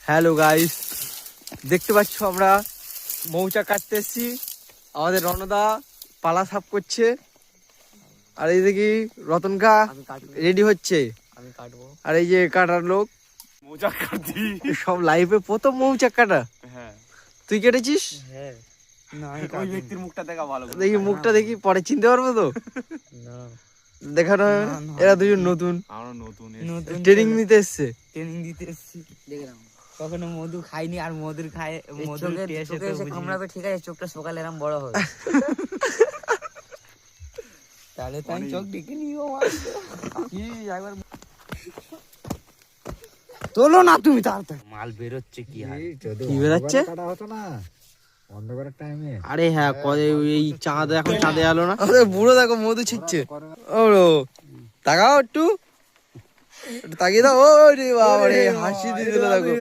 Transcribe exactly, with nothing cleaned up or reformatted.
Hello guys, দেখতে পাচ্ছ আমরা মৌচাক কাটতে এসেছি। আমাদের রণদা পালা সাফ করছে, আর এই দেখি রতনকা রেডি হচ্ছে। আমি কাটবো। আর এই যে কাটার লোক মৌচাক কাটছি। সব লাইফে প্রথম মৌচাক কাটা। হ্যাঁ, তুই কেটেছিস? হ্যাঁ না ওই ব্যক্তির মুখটা দেখা ভালো করে। দেখি মুখটা দেখি, পরে চিনতে পারবো তো। না দেখানো হবে না? এরা দুজন নতুন আমরা নতুন নতুন ট্রেনিং নিতে এসছে। ট্রেনিং দিতে এসেছি। দেখলাম কখনো মধু খাইনি, আর মধুর খায় মধুর টেস্ট চোখে এসে কামড়াবে, ঠিক আছে, চোখটা সকালে এরকম বড় হবে। তাহলে তো আমি চোখ ডেকে নিও। কি একবার তোলো না তুমি তাড়াতাড়ি। মাল বেরোচ্ছে কি আর কি বেরাচ্ছে? কাটা হতো না অন্ধকারের টাইমে। আরে হ্যাঁ, কবে এই চাঁদ এখন চাঁদে আলো না। আরে বুড়ো দেখো মধু ছিটছে। ও তাকাও একটু, একটু তাকিয়ে দাও। ও রে বাবা রে, হাসি দিয়ে দিল দেখো।